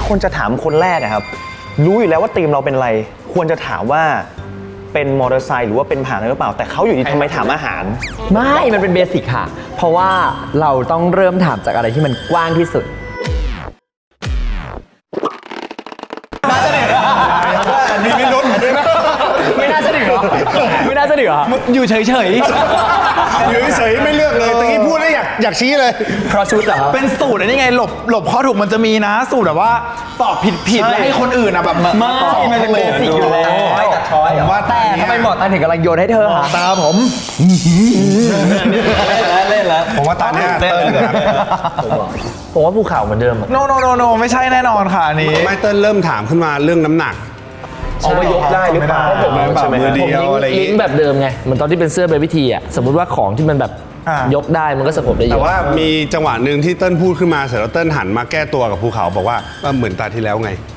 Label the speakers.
Speaker 1: คนจะถามคนแรกอะครับรู้อยู่แล้วว่าทีมเราเป็นอะไรควรจะถามว่าเป็นมอเตอร์ไซค์หรือว่าเป็นผ่านหรือเปล่าแต่เขาอยู่ดีทำไมถามอาหาร
Speaker 2: ไม่มันเป็นเบสิกค่ะเพราะว่าเราต้องเริ่มถามจากอะไรที่มันกว้างที่สุด
Speaker 3: มีไม่ลุ้น
Speaker 2: ไม่น่าจะดึกหรอไม่น่าจะดึกหรออยู่เฉย
Speaker 3: อยู่เฉยไม่เลือกเลยตะกี้พูดแล้วอยากชี้เลย
Speaker 2: เพราะชุดเหรอ
Speaker 4: เป็นสูตรนี่ไงหลบข้อถูกมันจะมีนะสูตรแบบว่าตอบผิดแล้วให้คนอื่นแบบ
Speaker 2: ไม่มันเป็นเบสิกอยู่แล้ว
Speaker 3: ผมว่า
Speaker 2: แต่ทำไมหมอตาถึงกำลังโยนให้เธอหา
Speaker 3: ตาผม
Speaker 2: เล่นแล้ว
Speaker 3: ผมว่าตาเนี่ยเติ้ล
Speaker 1: ผมว่าภูเขาเหมือนเดิม
Speaker 4: โนไม่ใช่แน่นอนค่ะอันนี้
Speaker 3: ไม่เติ้ลเริ่มถามขึ้นมาเรื่องน้ำหนัก
Speaker 1: เอาว่ายกได้หรือเปล่า
Speaker 3: ใช่ไหมมือเดียวอะไรอย่าง
Speaker 5: ลิ
Speaker 3: งี้
Speaker 5: งก์แบบเดิมไงเหมือนตอนที่เป็นเสื้อเบบี้ทีอ่ะสมมติว่าของที่มันแบบยกได้มันก็สะกดได้เยอะ
Speaker 3: แต่ว่ามีจังหวะหนึ่งที่เติ้ลพูดขึ้นมาเสร็จแล้วเติ้ลหันมาแก้ตัวกับภูเขาบอกว่าเหมือนตาที่แล้วไง